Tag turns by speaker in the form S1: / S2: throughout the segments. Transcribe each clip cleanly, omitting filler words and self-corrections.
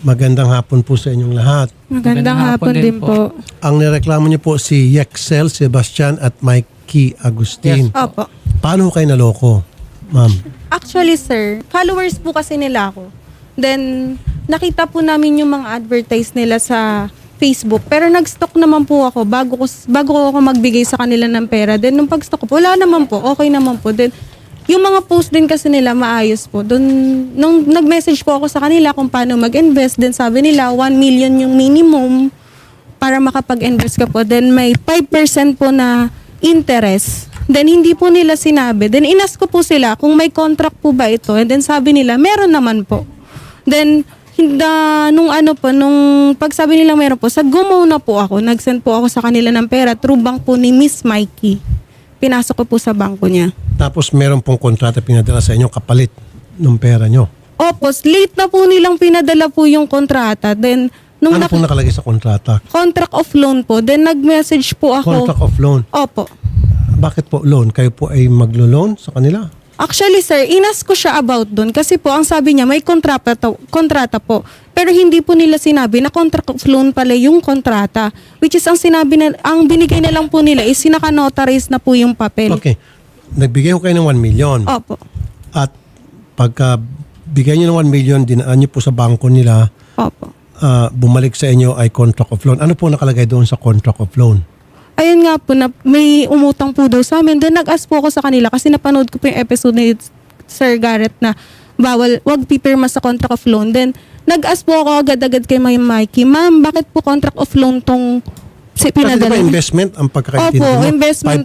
S1: Magandang hapon po sa inyong lahat.
S2: Magandang hapon din po.
S1: Ang nireklamo niyo po si Yexel Sebastian at Mikey Agustin.
S2: Yes. Opo.
S1: Paano kayo naloko, ma'am?
S2: Actually, sir, followers po kasi nila ako. Then, nakita po namin yung mga advertise nila sa Facebook. Pero nag-stock naman po ako bago ako magbigay sa kanila ng pera. Then, nung pag-stock ko po, wala naman po. Okay naman po. Then, yung mga post din kasi nila maayos po. Doon, nung nag-message po ako sa kanila kung paano mag-invest, then sabi nila 1 million yung minimum para makapag-invest ka po. Then may 5% po na interest. Then hindi po nila sinabi. Then inas ko po sila kung may contract po ba ito. And then sabi nila, meron naman po. Then nung pagsabi nila meron po, sa Gumo na po ako. Nag-send po ako sa kanila ng pera through bank po ni Miss Mikey. Pinasok ko po sa bangko niya.
S1: Tapos meron pong kontrata pinadala sa inyo kapalit ng pera nyo.
S2: Opo, late na po nilang pinadala po yung kontrata. Then, nung
S1: Ano pong nakalagay sa kontrata?
S2: contract of loan po, then nag-message po ako.
S1: Contract of loan.
S2: Opo.
S1: Bakit po loan? Kayo po ay maglo-loan sa kanila?
S2: Actually, sir, inas ko siya about doon kasi po ang sabi niya may kontrata po. Pero hindi po nila sinabi na contract of loan pala yung kontrata. Which is ang binigay na lang po nila is sinaka-notarize na po yung papel.
S1: Okay. Nagbigay ko kayo ng 1 million.
S2: Opo.
S1: At pagka bigay nyo ng 1 million, dinaan nyo po sa bangko nila,
S2: Opo.
S1: bumalik sa inyo ay contract of loan. Ano po nakalagay doon sa contract of loan?
S2: Ayun nga po, na may umutang po daw sa amin. Then nag-ask po ako sa kanila kasi napanood ko po yung episode ni Sir Garrett na wag pipirma sa contract of loan. Then nag-ask po ako agad-agad kay Mikey, ma'am, bakit po contract of loan tong pinadala?
S1: Kasi diba investment ang pagkakaintindi
S2: Opo,
S1: mo?
S2: investment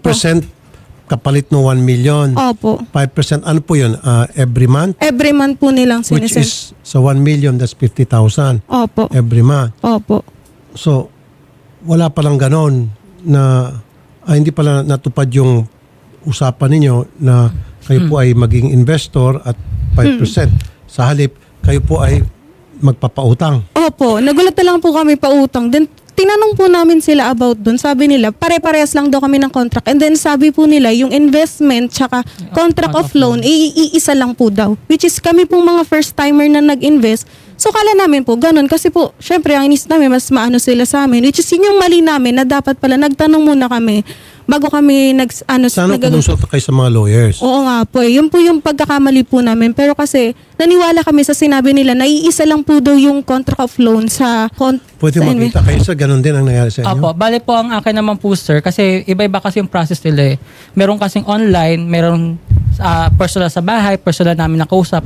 S1: 5% kapalit ng 1 million.
S2: Opo.
S1: 5%, ano po yun? Every month?
S2: Every month po nilang
S1: Which
S2: sinisend.
S1: is, sa 1 million, that's 50,000
S2: Opo.
S1: every month.
S2: Opo.
S1: So, wala palang ganon na hindi pala natupad yung usapan ninyo na kayo po ay maging investor at 5%. Sa halip, kayo po ay magpapautang.
S2: Opo. Nagulat na lang po kami pautang. Then tinanong po namin sila about dun. Sabi nila, pare-parehas lang daw kami ng contract. And then sabi po nila, yung investment tsaka contract of loan, iisa lang po daw. Which is kami pong mga first timer na nag-invest. So kala namin po, ganun. Kasi po, syempre, ang inis namin, mas maano sila sa amin. Which is yun yung mali namin na dapat pala nagtanong muna kami bago kami
S1: Sana kumusot kayo sa mga lawyers.
S2: Oo nga po. Yun po yung pagkakamali po namin. Pero kasi naniwala kami sa sinabi nila na iisa lang po daw yung contract of loan sa
S1: Pwede makita kayo sa ganun din ang nangyari sa inyo?
S3: Opo, bale po ang akin naman po sir, kasi iba-iba kasi yung process nila eh. Meron kasing online, meron personal sa bahay, personal namin nakausap.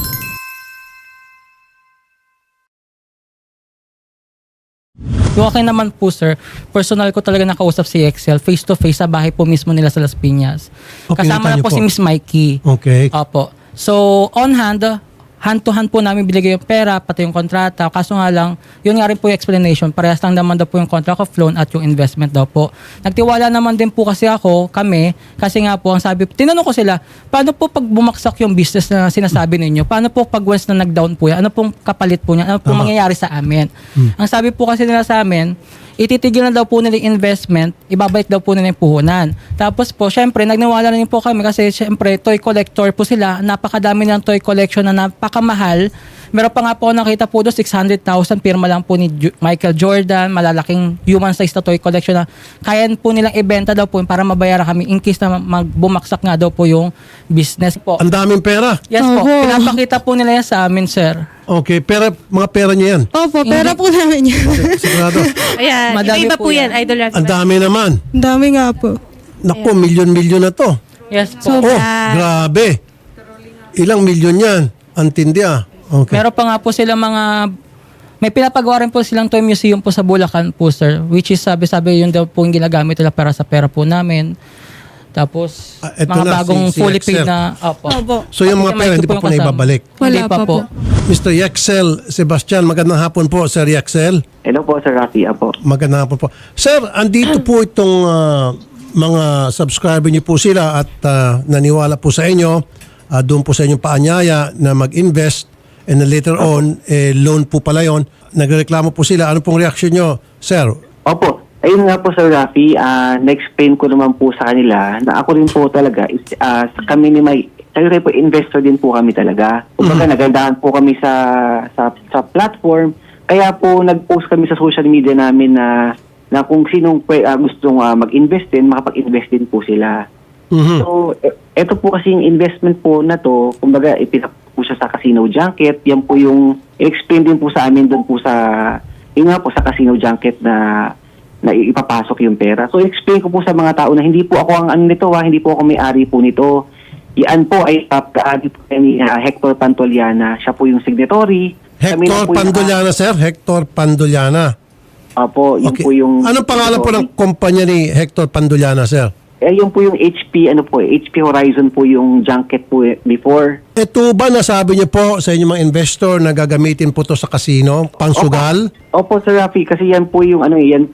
S3: Yung akin naman po sir, personal ko talaga nakausap si Excel, face to face sa bahay po mismo nila sa Las Piñas.
S1: Oh,
S3: Kasama
S1: pinuntahan
S3: na po
S1: niyo
S3: si
S1: po?
S3: Miss Mikey.
S1: Okay.
S3: Opo. So, on hand to hand po namin binigay yung pera, pati yung kontrata. Kaso nga lang, yun nga rin po yung explanation. Parehas lang naman daw po yung contract of loan at yung investment daw po. Nagtiwala naman din po kasi kami, kasi nga po, ang sabi, tinanong ko sila, paano po pag bumaksak yung business na sinasabi ninyo? Paano po pag once na nag-down po yan? Ano pong kapalit po niya? Ano pong mangyayari sa amin? Ang sabi po kasi nila sa amin, ititigil na daw po nila yung investment, ibabalik daw po nila yung puhunan. Tapos po, syempre, nagniwala na rin po kami kasi syempre, toy collector po sila. Napakadami ng toy collection na napakamahal. Meron pa nga po nakita po doon, 600,000 pirma lang po ni Michael Jordan, malalaking human size na toy collection na kaya po nilang ibenta daw po para mabayaran kami in case na bumagsak nga daw po yung business po.
S1: Ang daming pera.
S3: Yes po, pinapakita po nila yan sa amin, sir.
S1: Okay, mga pera niyo yan.
S2: Opo, pera po namin yun.
S1: Sigurado.
S4: Ayan,
S3: Madami
S4: iba
S3: po
S4: po yan,
S3: yan.
S4: Idol Rafi.
S1: Ang dami naman.
S2: Ang dami nga po.
S1: Naku, milyon-milyon na to.
S3: Yes po.
S1: Oh, grabe. Ilang milyon yan. Antindi ah. Okay.
S3: Meron pa nga po sila may pinapagawa rin po silang toy museum po sa Bulacan po, sir. Which is, sabi yun daw po yung ginagamit nila para sa pera po namin. Tapos,
S1: Eto
S3: mga
S1: na,
S3: bagong
S1: si
S3: fully
S1: Excel.
S3: paid na, opo.
S1: So yung mga pera, hindi pa po na ibabalik.
S3: Hindi
S2: Wala
S3: pa
S2: pa
S3: po.
S2: po.
S1: Mr. Yexel Sebastian, magandang hapon po, Sir Yexel.
S5: Hello po, Sir Rafi. Apo.
S1: Magandang hapon po. Sir, andito po itong mga subscriber niyo po sila at naniwala po sa inyo, doon po sa inyong paanyaya na mag-invest and then later on, loan po pala yun. Nagreklamo po sila. Ano pong reaction nyo, Sir?
S5: Opo. Ayun nga po, Sir Rafi, na-explain ko naman po sa kanila na ako rin po talaga, kami ni Siyempre po, investor din po kami talaga. Kumbaga, nagandahan po kami sa platform. Kaya po, nag-post kami sa social media namin na kung sinong gustong mag-invest din, makapag-invest din po sila.
S1: Mhm.
S5: So, ito po kasi yung investment po na to, kumbaga, ipinap po siya sa Casino Junket. Yan po yung, i-explain din po sa amin doon po yun nga po sa Casino Junket na ipapasok yung pera. So, explain ko po sa mga tao na hindi po ako ang ano nito, hindi po ako may-ari po nito. Yan po ay kaadi po ni Hector Pantoliana. Siya po yung signatory. Kami na
S1: Hector
S5: po yung-
S1: Panduliana, sir. Hector Panduliana.
S5: Opo, yun
S1: Okay.
S5: po yung...
S1: Anong pangalan po ng kumpanya ni Hector Panduliana, sir?
S5: Yun po yung HP, HP Horizon po yung junket po before.
S1: Ito ba nasabi niyo po sa inyong mga investor na gagamitin po to sa casino, pangsugal?
S5: Opo, Sir Rafi, kasi yan po yung yan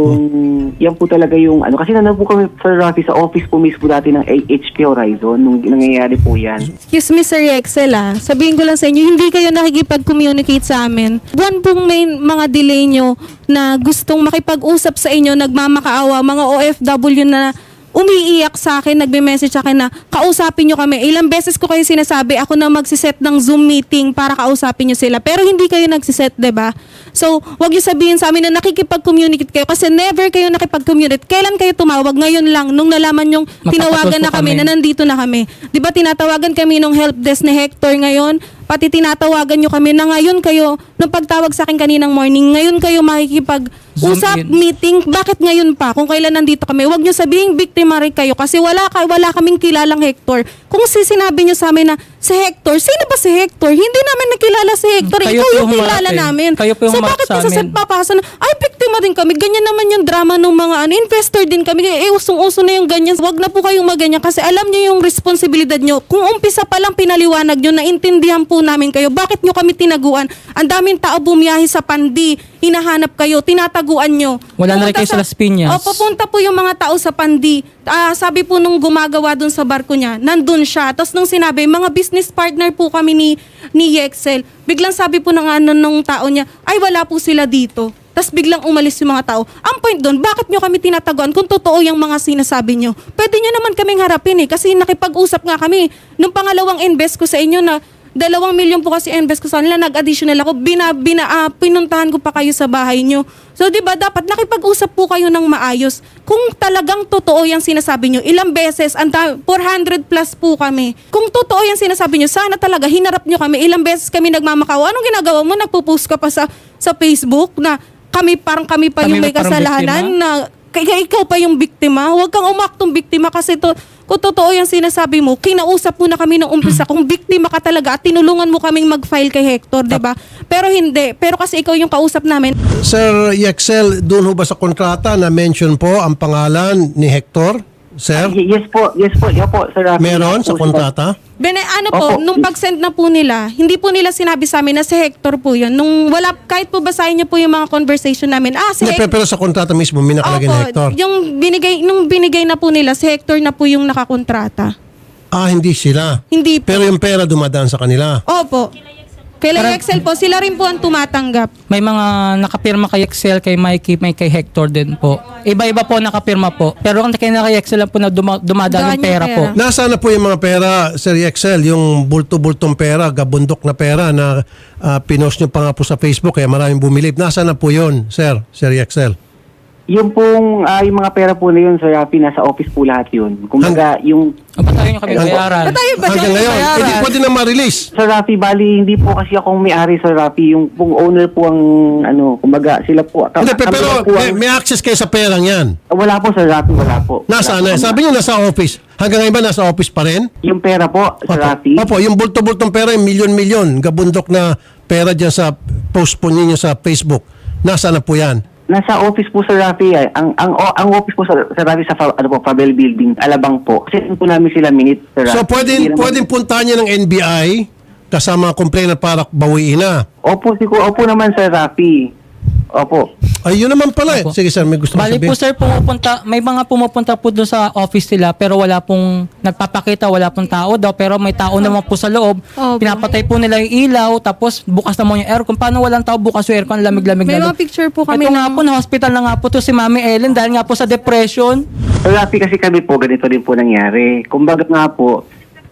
S5: po talaga yung kasi nandun po kami, Sir Rafi, sa office po mismo dati ng HP Horizon nung nangyayari po yan.
S2: Excuse me, Sir Excel sabihin ko lang sa inyo, hindi kayo nakikipag-communicate sa amin. Buwan pong may mga delay nyo na gustong makipag-usap sa inyo, nagmamakaawa, mga OFW na umiiyak sa akin, nagme-message sa akin na kausapin nyo kami. Ilang beses ko kayo sinasabi, ako na magsiset ng Zoom meeting para kausapin nyo sila. Pero hindi kayo nagsiset, diba? So, wag nyo sabihin sa amin na nakikipag-communicate kayo kasi never kayo nakipag-communicate. Kailan kayo tumawag? Ngayon lang, nung nalaman yung tinawagan na kami, na nandito na kami. Diba tinatawagan kami nung help desk ni Hector ngayon? Pati tinatawagan nyo kami na ngayon kayo, nung pagtawag sa akin kaninang morning, ngayon kayo makikipag-usap,
S3: Zoom in.
S2: meeting. Bakit ngayon pa? Kung kailan nandito kami, wag nyo sabihin biktima rin kayo kasi wala kaming kilalang Hector. Kung sinabi nyo sa amin na si Hector, sino ba si Hector? Hindi namin nakilala si Hector.
S3: Kayo
S2: Ikaw
S3: po
S2: yung
S3: humarap
S2: kilala
S3: eh.
S2: namin.
S3: Kayo po yung
S2: So
S3: humarap
S2: bakit
S3: sa
S2: nasa
S3: amin.
S2: papasa na, ay biktima rin kami. Ganyan naman yung drama ng mga investor din kami. Usong-uso na yung ganyan. Wag na po kayong maganyan kasi alam nyo yung responsibilidad nyo. Kung umpisa pa lang pinaliwanag nyo, naintindihan po namin kayo. Bakit nyo kami tinaguan? Ang daming tao bumiyahe sa Pandi. Hinahanap kayo, tinataguan nyo.
S3: Wala na rin
S2: Pumunta
S3: kayo sa Las Piñas.
S2: O, pupunta po yung mga tao sa Pandi. Sabi po nung gumagawa dun sa barko niya, nandun siya. Tapos nung sinabi, mga business partner po kami ni Yexel. Biglang sabi po nung tao niya, ay wala po sila dito. Tapos biglang umalis yung mga tao. Ang point doon, bakit nyo kami tinataguan kung totoo yung mga sinasabi nyo? Pwede nyo naman kaming harapin kasi nakipag-usap nga kami. Nung pangalawang invest ko sa inyo na 2 milyon po kasi invest ko sa kanila, nag-additional ako, pinuntahan ko pa kayo sa bahay nyo. So, di ba, dapat nakipag-usap po kayo ng maayos. Kung talagang totoo yung sinasabi nyo, ilang beses, 400 plus po kami. Kung totoo yung sinasabi nyo, sana talaga hinarap nyo kami. Ilang beses kami nagmamakaawa. Anong ginagawa mo? Nagpo-post ka pa sa Facebook na kami pa
S3: Kami
S2: yung may
S3: parang
S2: kasalanan
S3: biktima?
S2: na ikaw pa yung biktima. Huwag kang umaktong biktima kasi kung totoo yung sinasabi mo, kinausap mo na kami ng umpisa kung biktima ka talaga at tinulungan mo kaming mag-file kay Hector, di ba? Pero hindi. Pero kasi ikaw yung kausap namin.
S1: Sir Yexel, doon ho ba sa kontrata na mention po ang pangalan ni Hector? Sir?
S5: Yes po, Sir Rafi.
S1: Meron sa kontrata?
S2: Po,
S5: Opo.
S2: nung pag-send na po nila, hindi po nila sinabi sa amin na si Hector po yun. Nung kahit po basahin niyo po yung mga conversation namin, si
S1: Hindi,
S2: Hector.
S1: pero sa kontrata mismo, may nakalagay na Hector.
S2: Nung binigay na po nila, si Hector na po yung nakakontrata.
S1: Hindi sila.
S2: Hindi po.
S1: Pero yung pera dumadaan sa kanila.
S2: Opo. Kila Excel po, sila rin po ang tumatanggap.
S3: May mga nakapirma kay Excel, kay Mikey, may kay Hector din po. Iba-iba po nakapirma po. Pero kung kay Excel lang po na dumadaan
S2: Daan
S3: yung pera
S2: yung
S3: po.
S2: pera.
S1: Nasaan na po yung mga pera, Sir Yexel? Yung bulto-bultong pera, gabundok na pera na pinost nyo pa nga po sa Facebook kaya maraming bumilip. Nasaan na po yun, Sir Yexel?
S5: Yung pong, yung mga pera po na yun, Sir Rafi, nasa office po lahat yun. Kumbaga, yung,
S3: Ba't tayo nyo kami bayaran?
S1: Hanggang ngayon, hindi pwede na ma-release.
S5: Sir Rafi, bali, hindi po kasi akong may-ari, Sir Rafi. Yung pong owner po ang, kumbaga, sila po.
S1: Hindi,
S5: kami
S1: pero
S5: lang po ang-
S1: may access kayo sa perang yan.
S5: Wala po, Sir Rafi, wala po.
S1: Nasaan na? Sabi niyo nasa office. Hanggang ngayon ba nasa office pa rin?
S5: Yung pera po, Sir Rafi.
S1: Opo, yung bulto-bultong pera, yung milyon-milyon, gabundok na pera dyan sa post po ninyo sa Facebook. Nasaan na po yan?
S5: Nasa office po, Sir Rafi. Ang office po, Sir Rafi, sa Fabel Building, Alabang po. Kasi po namin sila minute, Sir Rafi.
S1: So pwedeng puntahan niya ng NBI kasama ang complainant para bawiin na.
S5: Opo naman, Sir Rafi. Opo.
S1: Ay, yun naman pala eh.
S3: Opo.
S1: Sige sir, may gusto
S3: Bali
S1: sabihin.
S3: po sir, may mga pumupunta po doon sa office nila pero wala pong nagpapakita, wala pong tao daw pero may tao naman po sa loob.
S2: Opo.
S3: Pinapatay po nila yung ilaw tapos bukas naman yung aircon. Paano walang tao bukas yung aircon? Lamig-lamig
S2: May
S3: na
S2: mga picture po kami
S3: Ito nga po, na-hospital na nga po to si Mami Ellen dahil nga po sa depression.
S5: Sir Rafi, kasi kami po, ganito din po nangyari. Kumbaga nga po,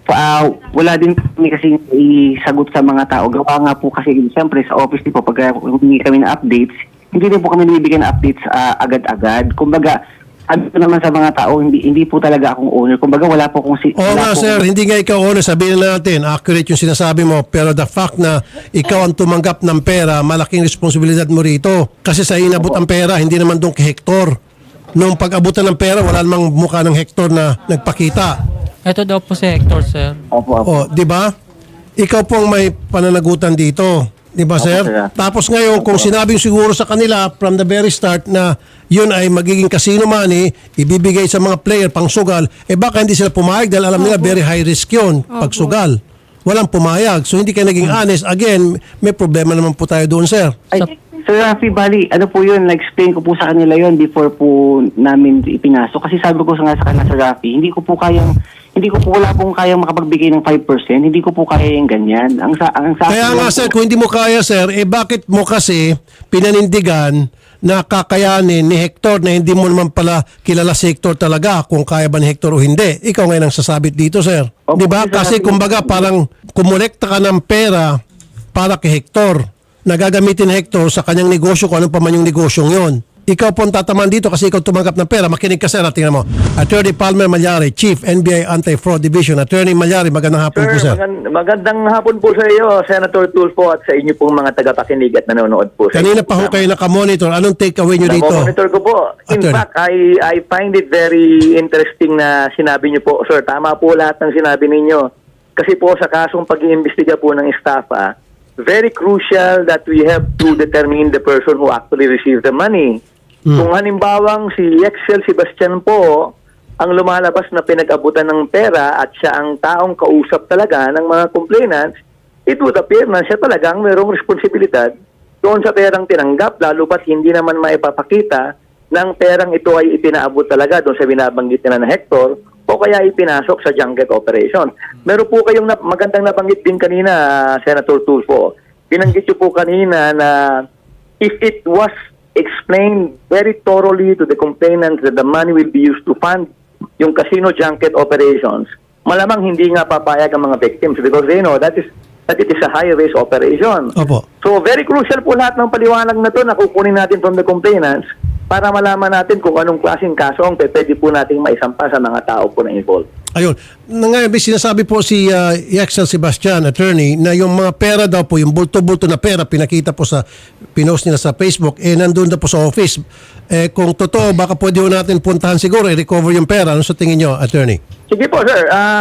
S5: Wala din kami kasi isagot sa mga tao. Gawa nga po kasi siyempre sa office din po pag humingi kami ng updates, hindi din po kami nabibigyan ng updates agad-agad. Kumbaga, ano naman sa mga tao, hindi po talaga akong owner. Kumbaga, wala po akong...
S1: Oo nga sir, hindi nga ikaw owner, sabihin na natin, accurate yung sinasabi mo, pero the fact na ikaw ang tumanggap ng pera, malaking responsibilidad mo rito. Kasi sa inabot ang pera, hindi naman doon kay Hector. Nung pag-abutan ng pera, wala namang mukha ng Hector na nagpakita.
S3: Ito daw po si Hector, sir.
S5: Opo.
S1: O, di ba? Ikaw pong may pananagutan dito. Di ba, sir?
S5: sir.
S1: Tapos ngayon, kung sinabing siguro sa kanila from the very start na yun ay magiging casino money, ibibigay sa mga player pang sugal, baka hindi sila pumayag dahil alam nila very high risk yun pag sugal. Walang pumayag. So hindi kayo naging honest. Again, may problema naman po tayo doon, sir.
S5: Ay, Sir Rafi, bali, ano po yun, na-explain ko po sa kanila yun before po namin ipinasok. Kasi sabi ko nga sa kanila, Sir Rafi, wala pong kayang makapagbigay ng 5%, hindi ko po kaya yung ganyan.
S1: Kaya nga, sir, kung hindi mo kaya, sir, bakit mo kasi pinanindigan na kakayanin ni Hector na hindi mo naman pala kilala si Hector talaga kung kaya ba ni Hector o hindi. Ikaw ngayon ang sasabit dito, sir.
S5: Opo,
S1: Di ba?
S5: sir,
S1: Kasi kumbaga parang kumolekta ka ng pera para kay Hector. Nagagamitin ni Hector sa kanyang negosyo kung ano pa man yung negosyong yon. Ikaw po ang tataman dito kasi ikaw tumanggap ng pera. Makinig ka, sir. Tingnan mo. Attorney Palmer Malyari, Chief, NBI Anti-Fraud Division. Attorney Malyari, magandang hapon po, sir.
S4: Magandang hapon po sa iyo, Senator Tulfo, at sa inyo pong mga tagapakinig at nanonood po.
S1: Kanina pa ho kayo nakamonitor. Anong take-away nyo dito?
S4: Monitor ko po. In
S1: Attorney.
S4: fact, I find it very interesting na sinabi niyo po. Sir, tama po lahat ng sinabi ninyo. Kasi po sa kasong pag-iimbestiga po ng staff, very crucial that we have to determine the person who actually received the money. Kung halimbawang si Excel Sebastian po ang lumalabas na pinag-abutan ng pera at siya ang taong kausap talaga ng mga complainants, it would appear na siya talagang mayroong responsibilidad doon sa perang tinanggap, lalo ba't hindi naman maipapakita ng perang ito ay ipinaabot talaga doon sa binabanggit na Hector o kaya ipinasok sa junket operation. Meron po kayong magandang nabanggit din kanina, Senator Tulfo. Binanggit niyo po kanina na if it was explained very thoroughly to the complainants that the money will be used to fund yung casino junket operations, malamang hindi nga papayag ang mga victims because they know that it is a high-risk operation.
S1: Opo.
S4: So very crucial po lahat ng paliwanag na to na kukunin natin from the complainants para malaman natin kung anong klaseng kaso ang pwede po nating maisampa sa mga tao po na involved.
S1: Ayun. Ngayon, sinasabi po si Excel Sebastian, attorney, na yung mga pera daw po, yung bulto-bulto na pera, pinakita po sa, pinost nila sa Facebook, nandun na po sa office. Kung totoo, baka pwede ho natin puntahan siguro, i-recover yung pera. Ano sa tingin nyo, attorney?
S4: Sige po, sir.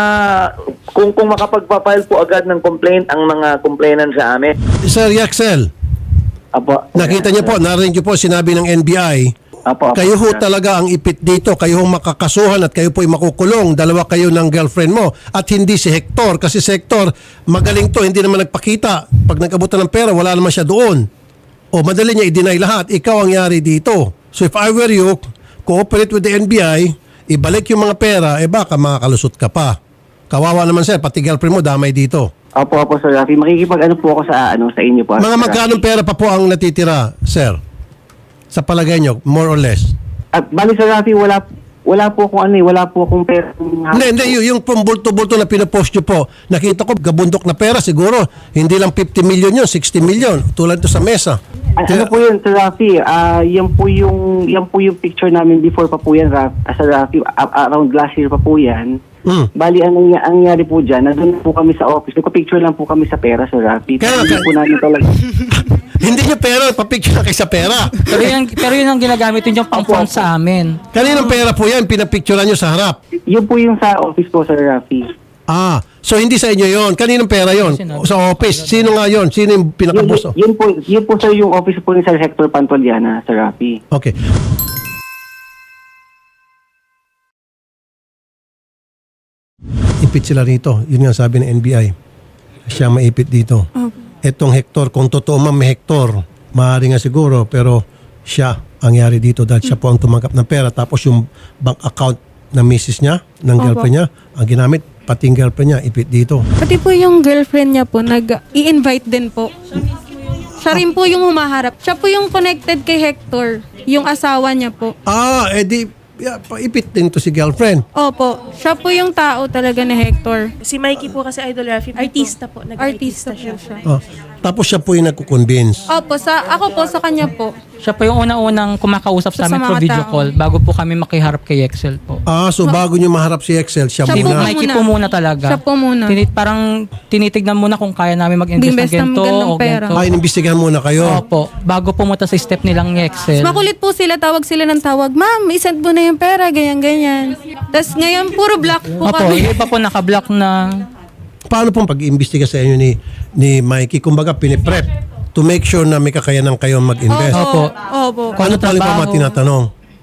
S4: Kung makapagpapile po agad ng complaint ang mga complainant sa amin.
S1: Sir Excel,
S5: Apo.
S1: nakita niyo po, narinig niyo po, sinabi ng NBI,
S5: Apo.
S1: kayo ho talaga ang ipit dito, kayo ho makakasuhan at kayo po ay makukulong. Dalawa kayo ng girlfriend mo at hindi si Hector. Kasi si Hector, magaling to, hindi naman nagpakita. Pag nag-abutan ng pera, wala naman siya doon. O madali niya i-deny lahat. Ikaw ang yari dito. So if I were you, cooperate with the NBI, ibalik yung mga pera, baka makakalusot ka pa. Kawawa naman sir, pati girlfriend mo damay dito.
S5: Opo, Sir Rafi. Makikipag-ano po ako sa inyo po.
S1: Mga magkanong pera pa po ang natitira, sir? Sa palagay nyo, more or less?
S5: At bali, Sir Rafi, wala po akong wala po akong pera.
S1: Hindi, yung bulto-bulto na pinapost nyo po, nakita ko, gabundok na pera, siguro, hindi lang 50 million yun, 60 million, tulad to sa mesa.
S5: Ano po yun, Sir Rafi? Yan po yung picture namin before pa po yan, Sir Rafi. Around last year pa po yan. Bali, ang nangyari po dyan, nandun po kami sa office. Nagpa-picture lang po kami sa pera, Sir Rafi. Hindi po namin talaga.
S1: Hindi nyo pera, papicture na kayo sa pera.
S3: Pero yun ang ginagamit yun yung pang-front sa amin.
S1: Kaninang pera po yan, pinapicturean nyo sa harap.
S5: Yun po yung sa office po, Sir Rafi.
S1: So hindi sa inyo yon. Kaninang pera yon? Sa office. Sino nga yon? Sino yung pinakabuso?
S5: Yun po, Sir, yung office po ni Sir Hector Pantoliana, Sir Rafi.
S1: Okay. Ipit sila rito. Yun nga sabi ng NBI. Siya maipit dito. Etong Hector, kung totoo man may Hector, maaari nga siguro, pero siya ang yari dito dahil siya po ang tumanggap ng pera. Tapos yung bank account ng misis niya, ng girlfriend niya, ang ginamit, pati yung girlfriend niya, ipit dito.
S2: Pati po yung girlfriend niya po, nag-i-invite din po. Siya rin po yung humaharap. Siya po yung connected kay Hector, yung asawa niya po.
S1: Edi paipit din to si girlfriend.
S2: Opo, siya po yung tao talaga na Hector.
S6: Si Mikey po kasi Idol Rafi, artista po.
S2: Artista
S6: Nag-artista
S2: po
S6: siya.
S2: siya.
S1: Oh. Tapos siya po yung nagko-convince.
S2: Opo, ako po sa kanya po.
S3: Siya po yung una-unang kumakausap sa
S2: Sa
S3: amin
S2: mga
S3: through video
S2: tao.
S3: call bago po kami makiharap kay Excel po.
S1: So bago niyo maharap si Excel, siya
S2: Siya
S3: Si
S2: po
S1: muna.
S3: Mikey
S2: muna.
S3: po muna talaga.
S2: Siya po muna.
S3: Parang tinitignan muna kung kaya namin mag-invest ng
S2: Invest ng
S3: ganito
S2: ganong
S3: o
S2: pera.
S3: ganito.
S1: Inimbestigahan muna kayo.
S3: Opo, bago pumunta sa step nilang ni Excel.
S2: Makulit po sila, tawag sila ng tawag, ma'am, isend mo na yung pera, ganyan-ganyan. Tapos ngayon, puro black po
S3: Opo,
S2: kami.
S3: yung iba po nakablock na.
S1: Paano pong pag-iimbestiga sa inyo ni Mikey? Kumbaga, piniprep to make sure na may kakayanan kayo mag-invest.
S3: Opo.
S2: Opo.
S1: Paano pa rin pa mga tinatanong?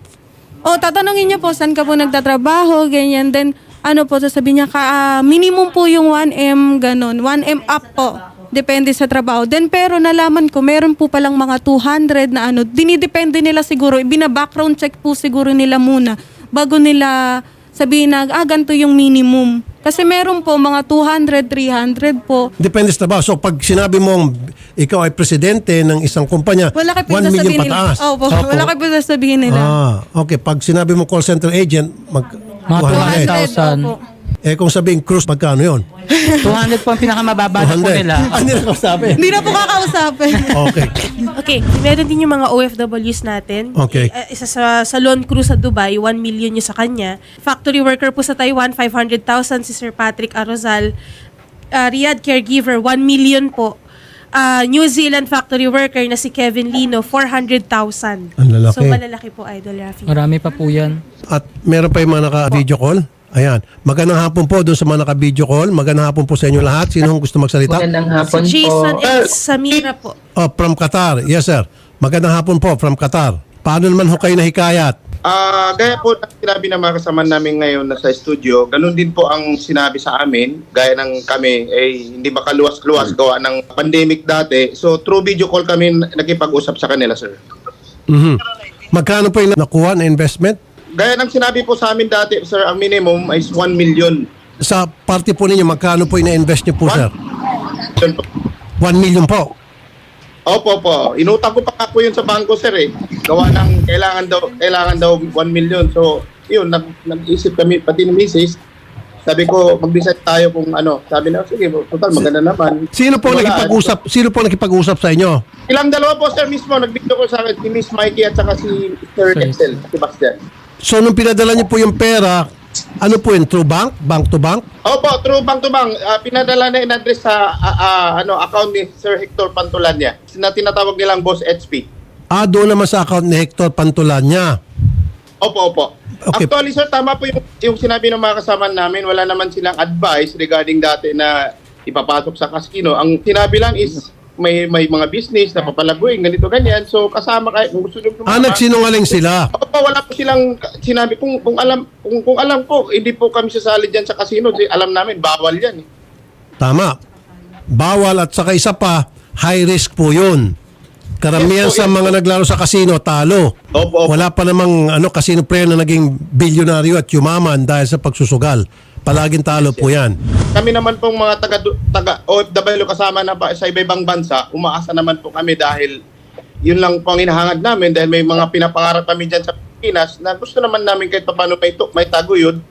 S2: Tatanungin niya po, saan ka po nagtatrabaho, ganyan. Then, sasabihin niya, minimum po yung 1M, ganun. 1M up po. Depende sa trabaho. Then, pero nalaman ko, meron po palang mga 200 na dinidepende nila siguro. Bina-background check po siguro nila muna bago nila sabihin na, ganito yung minimum. Kasi meron po mga 200, 300 po.
S1: Depende sa trabaho. So, pag sinabi mong ikaw ay presidente ng isang kumpanya,
S2: Wala kayo
S1: 1 million
S2: sasabihin nila.
S1: pataas.
S2: Opo, wala kayo sasabihin nila.
S1: Okay. Pag sinabi mo call center agent,
S3: Mga
S1: 200.
S3: 200,000.
S2: Opo.
S1: Kung sabihin cruise, magkano yun?
S3: 200 po ang pinakamababa na po
S1: 200.
S3: nila.
S1: Hindi na ko sabi.
S2: Hindi na po kakausapin.
S1: Okay.
S6: Okay, meron din yung mga OFWs natin.
S1: Okay.
S6: Isa sa salon crew sa Dubai, 1 million yung sa kanya. Factory worker po sa Taiwan, 500,000 si Sir Patrick Arozal. Riyadh caregiver, 1 million po. New Zealand factory worker na si Kevin Lino, 400,000.
S1: Ang lalaki.
S6: So malalaki po, Idol Rafi.
S3: Marami pa po yan.
S1: At meron pa yung mga naka-video call. Ayan. Magandang hapon po doon sa mga naka-video call. Magandang hapon po sa inyo lahat. Sino gusto magsalita?
S7: Magandang hapon
S6: Si Jason
S7: po.
S6: and Samira po.
S1: From Qatar. Yes, sir. Magandang hapon po from Qatar. Paano naman ho kayo nahikayat?
S8: Gaya po ng sinabi ng mga kasama namin ngayon na sa studio, ganun din po ang sinabi sa amin, gaya ng kami, hindi makaluwas-luwas gawa ng pandemic dati. So, through video call kami nakipag-usap sa kanila, sir.
S1: Magkano po yung nakuha na investment?
S8: Gaya ng sinabi po sa amin dati, sir, ang minimum is 1 million.
S1: Sa party po ninyo, magkano po yung na-invest niyo po, sir?
S8: Yun po.
S1: 1 million po.
S8: Opo po. Inutang ko pa po yun sa bangko, sir, Gawa ng kailangan daw 1 million. So, yun, nag-isip kami, pati ni Mrs. Sabi ko, mag-decide tayo kung ano. Sabi na, sige, total, maganda naman.
S1: Sino po nakipag-usap sa inyo?
S8: Ilang dalawa po, sir, mismo. Nagbigto ko sa akin si Miss Mikey at saka si Sir Excel, Sebastian.
S1: So, nung pinadala niyo po yung pera, ano po yun? Through bank? Bank to bank?
S8: Opo, true bank to bank. Pinadala na in-address sa account ni Sir Hector Pantulanya na tinatawag nilang Boss HP.
S1: Doon naman sa account ni Hector Pantulanya.
S8: Opo.
S1: Okay.
S8: Actually, sir, tama po yung sinabi ng mga kasama namin. Wala naman silang advice regarding dati na ipapasok sa casino. Ang sinabi lang is may mga business na papalaguin, ganito, ganyan. So, kasama kayo. Kung gusto nyo
S1: Nagsinungaling sila.
S8: Opo, wala po silang sinabi. Kung alam po, hindi po kami sasali dyan sa casino. Alam namin, bawal yan.
S1: Tama. Bawal at saka isa pa, high risk po yun. Karamihan
S8: Yes po,
S1: sa
S8: yes
S1: mga
S8: po.
S1: naglaro sa casino, talo.
S8: Opo.
S1: Wala pa namang casino player na naging bilyonaryo at yumaman dahil sa pagsusugal. Palaging talo po yan.
S8: Kami naman pong mga taga OFW kasama na sa iba-ibang bansa, umaasa naman po kami dahil yun lang po ang hinahangad namin dahil may mga pinapangarap kami dyan sa Pilipinas na gusto naman namin kahit paano may taguyod.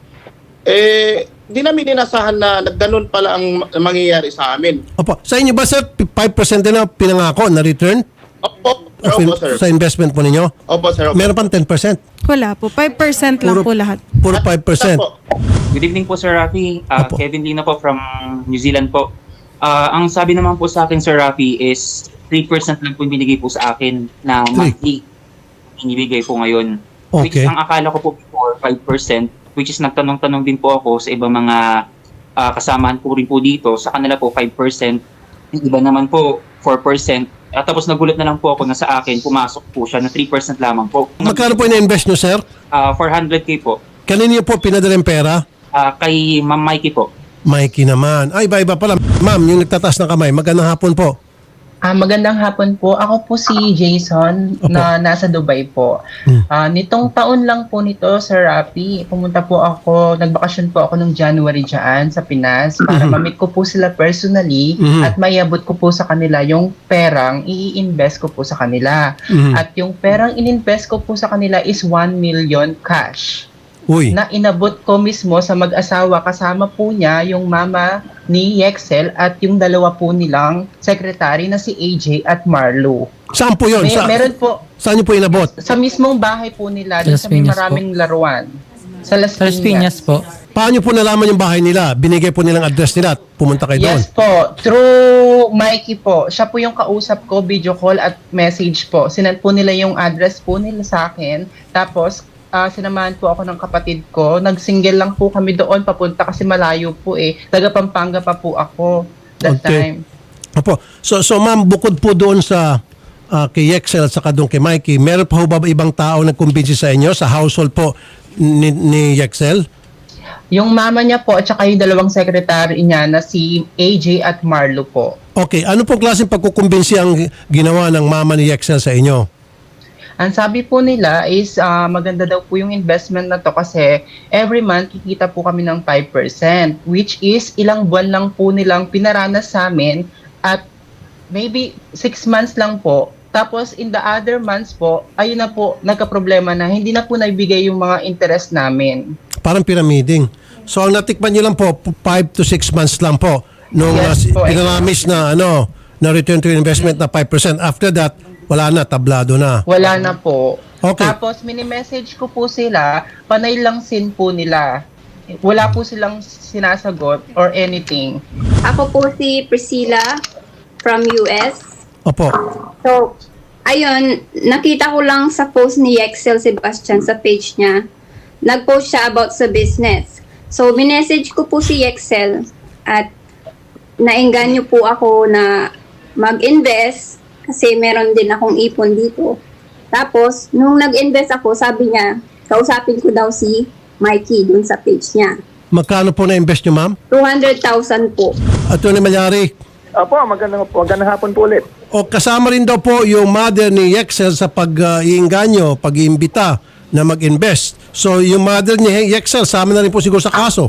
S8: Di namin inasahan na ganun pala ang mangyayari sa amin.
S1: Opo. Sa inyo ba, sir, 5% din na pinangako na return?
S8: Opo, sir.
S1: Sa investment po ninyo?
S8: Opo, sir.
S1: Meron pang 10%.
S2: Wala po, 5% lang po lahat.
S1: Puro 5%.
S8: Opo.
S9: Good evening po, Sir Rafi.
S1: Opo.
S9: Kevin Lino po from New Zealand po. Ang sabi naman po sa akin, Sir Rafi, is 3% lang po yung binigay po sa akin na monthly inibigay po ngayon. Which
S1: Okay.
S9: is ang akala ko po before 5%, which is nagtanong-tanong din po ako sa ibang mga kasamahan po rin po dito. Sa kanila po 5%, yung iba naman po 4%. At tapos nagulat na lang po ako na sa akin, pumasok po siya na 3% lamang po.
S1: Magkano po ina-invest nyo, sir?
S9: 400k po.
S1: Kanino po pinadala yung pera?
S9: Kay Ma'am Mikey po.
S1: Mikey naman. Ay, iba-iba pala. Ma'am, yung nagtataas ng kamay, magandang hapon po.
S7: Magandang hapon po. Ako po si Jason
S1: Opo.
S7: na nasa Dubai po. Nitong taon lang po nito, Sir Rafi, pumunta po ako, nagbakasyon po ako nung January dyan sa Pinas para ma-meet ko po sila personally at mayabot ko po sa kanila yung perang i-invest ko po sa kanila. At yung perang in-invest ko po sa kanila is 1 million cash.
S1: Uy.
S7: Na inabot ko mismo sa mag-asawa, kasama po niya yung mama ni Yexel at yung dalawa po nilang secretary na si AJ at Marlo.
S1: Saan po yun?
S7: Meron po
S1: Saan niyo po inabot?
S7: sa mismong bahay po nila,
S3: Sa
S7: dun
S3: Las
S7: sa may
S3: Piñas
S7: maraming laruan. Sa Las
S3: Sa Las Piñas po.
S1: Paano po nalaman yung bahay nila? Binigay po nilang address nila at pumunta kayo doon?
S7: Yes po, through Mikey po. Siya po yung kausap ko, video call at message po. Sinend po nila yung address po nila sa akin. Tapos, sinamahan po ako ng kapatid ko. Nag-single lang po kami doon papunta kasi malayo po eh. Taga Pampanga pa po ako that time.
S1: Opo. So ma'am, bukod po doon sa kay Yexel at saka doon kay Mikey, meron pa ho ba ibang tao nagkumbinsi sa inyo sa household po ni Yexel?
S7: Yung mama niya po at saka yung dalawang secretary niya na si AJ at Marlo po.
S1: Okay, ano pong klaseng pagkukumbinsi ang ginawa ng mama ni Yexel sa inyo?
S7: Ang sabi po nila is maganda daw po yung investment na to kasi every month kikita po kami ng 5% which is ilang buwan lang po nilang pinaranas sa amin at maybe 6 months lang po. Tapos in the other months po, ayun na po, nagka-problema na hindi na po naibigay yung mga interest namin.
S1: Parang pyramiding. So ang natikman niyo lang po 5 to 6 months lang po nung
S7: Yes po,
S1: pinaramis na na return to investment na 5%. After that, wala na, tablado na.
S7: Wala na po.
S1: Okay.
S7: Tapos mini-message ko po sila, panay lang sin po nila. Wala po silang sinasagot or anything.
S10: Ako po si Priscilla from US.
S1: Opo.
S10: So, ayun, nakita ko lang sa post ni Yexel Sebastian sa page niya. Nag-post siya about sa business. So, minessage ko po si Yexel at naengganyo po ako na mag-invest kasi meron din akong ipon dito. Tapos, nung nag-invest ako, sabi niya, kausapin ko daw si Mikey dun sa page niya.
S1: Magkano po na-invest nyo, ma'am?
S10: 200,000 po.
S1: Attorney Malyari,
S4: Opo, magandang hapon po ulit.
S1: o kasama rin daw po yung mother ni Yexel sa pag-iinganyo, pag-iimbita na mag-invest. So yung mother ni Yexel, sama na rin po siguro sa kaso.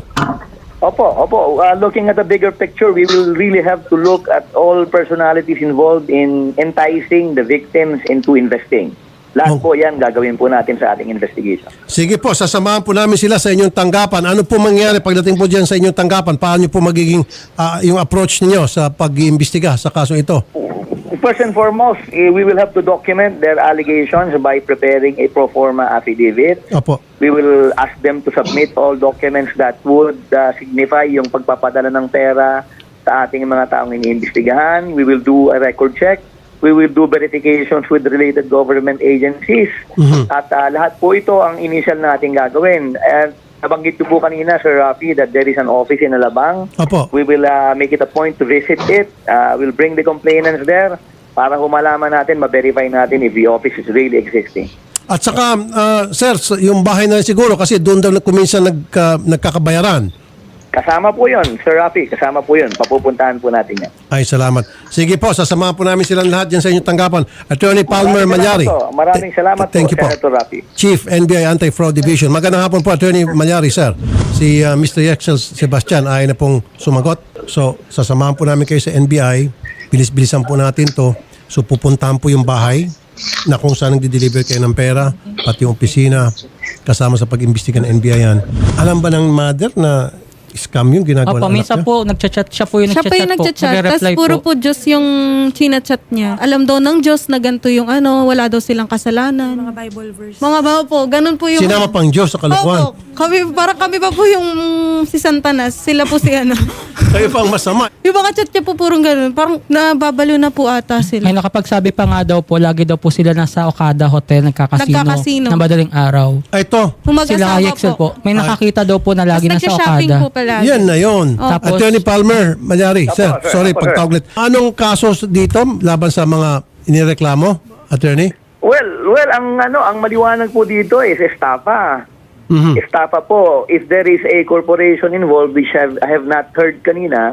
S4: Opo. Looking at the bigger picture, we will really have to look at all personalities involved in enticing the victims into investing. Lahat po yan gagawin po natin sa ating investigation.
S1: Sige po, sasamahan po namin sila sa inyong tanggapan. Ano po mangyari pagdating po dyan sa inyong tanggapan? Paano po magiging yung approach ninyo sa pag-iimbestiga sa kaso ito?
S4: First and foremost, we will have to document their allegations by preparing a pro forma affidavit.
S1: Opo.
S4: We will ask them to submit all documents that would signify yung pagpapadala ng pera sa ating mga taong iniimbestigahan. We will do a record check. We will do verifications with related government agencies. At lahat po ito ang initial nating gagawin. And nabanggit ko po kanina, Sir Rafi, that there is an office in Alabang.
S1: Opo.
S4: We will make it a point to visit it. We'll bring the complainants there para humalaman natin, ma-verify natin if the office is really existing.
S1: At saka, sir, yung bahay na rin siguro kasi doon daw kuminsan nagkakabayaran.
S4: Kasama po yun, Sir Rafi. Kasama po yun. Papupuntahan po natin yan.
S1: Ay, salamat. Sige po, sasamahan po namin silang lahat dyan sa inyong tanggapan. Attorney Palmer Malyari.
S4: Maraming salamat
S1: Thank
S4: po,
S1: you po.
S4: Senator Rafi.
S1: Chief NBI Anti-Fraud Division. Magandang hapon po, Attorney Malyari, sir. Si Mr. Yexel Sebastian ay na pong sumagot. So, sasamahan po namin kayo sa NBI. Bilis-bilisan po natin to. So, pupuntahan po yung bahay na kung saan nagdi-deliver kayo ng pera, pati yung opisina, kasama sa pag-imbestiga ng NBI yan. Alam ba ng mother na scam yung ginagawa ng
S3: Opo,
S1: anak
S3: minsan
S1: niya?
S3: po, nagchat-chat. Siya po yung
S2: Siya pa yung
S3: nagchat-chat po.
S2: nagchat-chat. Tapos
S3: Nagre-reply
S2: puro po Diyos yung chinachat niya. Alam daw ng Diyos na ganito yung wala daw silang kasalanan.
S6: Mga Bible verse.
S2: Mga ba po, ganun po yung...
S1: Sinama pang Diyos sa kalokohan.
S2: Opo, kami pa po yung si Santanas. Sila po si
S1: Kayo pang masama.
S2: Yung mga chat niya po purong ganun. Parang nababalo na po ata sila.
S3: May nakapagsabi pa nga daw po, lagi daw po sila nasa Okada Hotel,
S2: Nagkakasino.
S3: na madaling araw.
S1: Ito,
S2: Kung
S3: Sila
S2: mag-asawa
S3: Yexel po. May nakakita daw po na lagi
S2: Tapos
S3: nasa
S2: nagsha-shopping
S3: Okada.
S2: po pala.
S1: yan na yun.
S3: Tapos-
S1: Attorney Palmer Malyari, sir,
S4: sir.
S1: sorry,
S4: Opo, sir.
S1: pagtawaglit. Anong kaso dito laban sa mga inireklamo, attorney?
S4: Well, ang maliwanag po dito is estafa.
S1: Mhm.
S4: Estafa po, if there is a corporation involved which I have not heard kanina,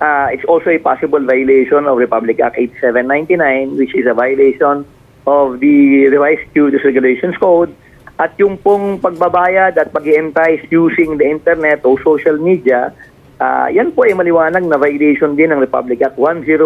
S4: it's also a possible violation of Republic Act 8799, which is a violation of the Revised Duties Regulations Code. At yung pong pagbabayad at pag-entice using the internet o social media, yan po ay maliwanag na violation din ng Republic Act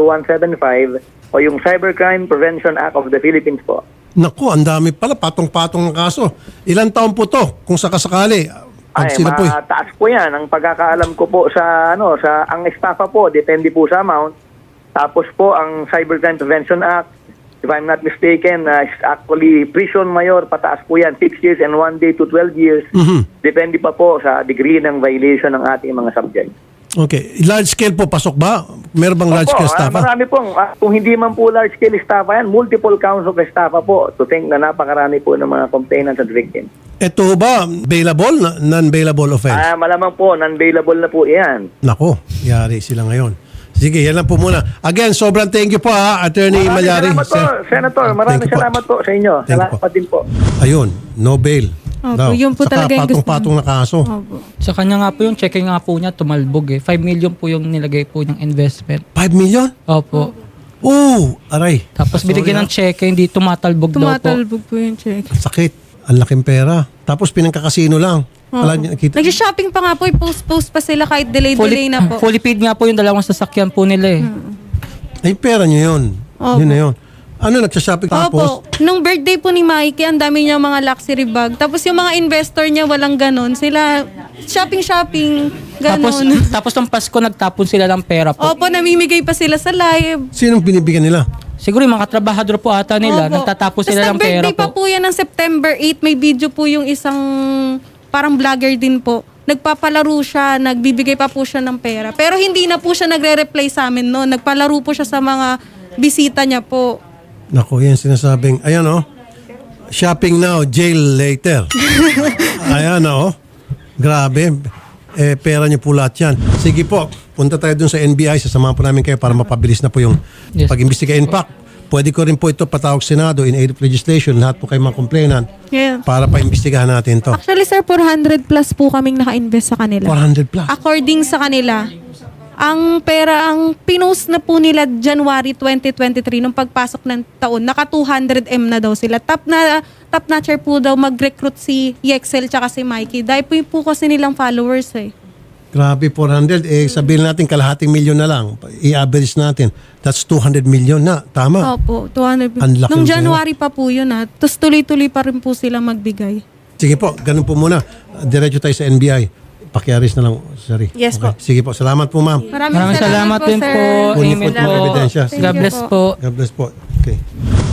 S4: 10175 o yung Cybercrime Prevention Act of the Philippines po.
S1: Naku, ang dami pala, patong-patong ng kaso. Ilan taon po to kung sakasakali? Pag sila po
S4: mataas po yan. Ang pagkakaalam ko po sa ang estafa po, depende po sa amount. Tapos po ang Cybercrime Prevention Act, if I'm not mistaken, is actually prison mayor, pataas po yan, 6 years and 1 day to 12 years. Depende pa po sa degree ng violation ng ating mga subject.
S1: Okay. Large scale po, pasok ba? Meron bang large scale estafa?
S4: Marami pong, kung hindi man po large scale estafa yan, multiple counts of estafa po to think na napakarami po ng mga complainants at victims.
S1: Ito ba, bailable? Non-bailable offense?
S4: Malamang po, non-bailable na po yan.
S1: Nako, yari sila ngayon. Sige, yan lang po muna. Again, sobrang thank you po Attorney Malyari.
S4: Salamat po, Senator. Maraming salamat po sa inyo.
S1: Thank you po.
S4: Salamat din po.
S1: Ayun, no bail.
S2: Opo, yun po
S1: Saka
S2: talaga yung gusto
S1: patong-patong na kaso.
S2: Opo.
S3: Sa kanya nga po yung checking nga po niya tumalbog 5 million po yung nilagay po ng investment.
S1: 5 million?
S3: Opo.
S1: Oh, aray.
S3: Tapos
S1: Sorry,
S3: binigyan ng check, hindi tumatalbog daw po.
S2: Tumatalbog po yung check.
S1: Sakit. Ang laking pera. Tapos pinangkakasino lang. Wala niya nakita.
S2: Nag-shopping pa nga po, post pa sila kahit delay na po.
S3: Fully paid nga po yung dalawang sasakyan po nila
S1: Ay, pera niya yun.
S2: Opo.
S1: Yun na yun. Ano, nagsashopping tapos?
S2: Opo. Nung birthday po ni Mikey, ang dami niya mga luxury bag. Tapos yung mga investor niya, walang ganon. Sila, shopping,
S3: Tapos,
S2: ganon.
S3: tapos ng Pasko nagtapon sila ng pera po.
S2: Opo, namimigay pa sila sa live.
S1: Sinong binibigyan nila?
S3: Siguro yung mga trabahador po ata nila,
S2: Opo.
S3: nagtatapos
S2: Tas
S3: sila ng pera
S2: birthday pa po yan ng September 8. May video po yung isang parang vlogger din po. Nagpapalaro siya, nagbibigay pa po siya ng pera. Pero hindi na po siya nagre-reply sa amin noon. Nagpalaro po siya sa mga bisita niya po.
S1: Naku, yan sinasabing, ayan shopping now, jail later. Ayan grabe. Pera niyo po lahat yan. Sige po, punta tayo dun sa NBI, sasamahan po namin kayo para mapabilis na po yung
S3: Yes.
S1: pag-imbestiga. In fact, pwede ko rin po ito patawag Senado in aid of legislation, lahat po kayo mga complainant
S2: Yeah.
S1: para pa-imbestigahan natin to.
S2: Actually, sir, 400 plus po kaming naka-invest sa kanila.
S1: 400 plus.
S2: According sa kanila, ang pera, ang pinost na po nila January 2023, nung pagpasok ng taon, naka 200M na daw sila. Top notcher po daw mag-recruit si Yexel tsaka si Mikey. Dahil po kasi nilang followers
S1: Grabe, 400. Sabihin natin kalahating milyon na lang. I-average natin. That's 200 million na. Tama.
S2: Opo, 200.
S1: Ang laki
S2: Nung
S1: ng
S2: January pa po yun Tapos tuloy-tuloy pa rin po silang magbigay.
S1: Sige po, ganun po muna. Diretso tayo sa NBI. Pakiaris na lang, sorry.
S6: Yes po.
S1: Sige po, salamat po ma'am.
S2: Maraming
S3: Maraming salamat din
S2: sir.
S3: po.
S1: Kunin po
S3: Amen
S1: itong
S3: po.
S1: ebidensya.
S3: God bless po.
S1: God bless po. Okay.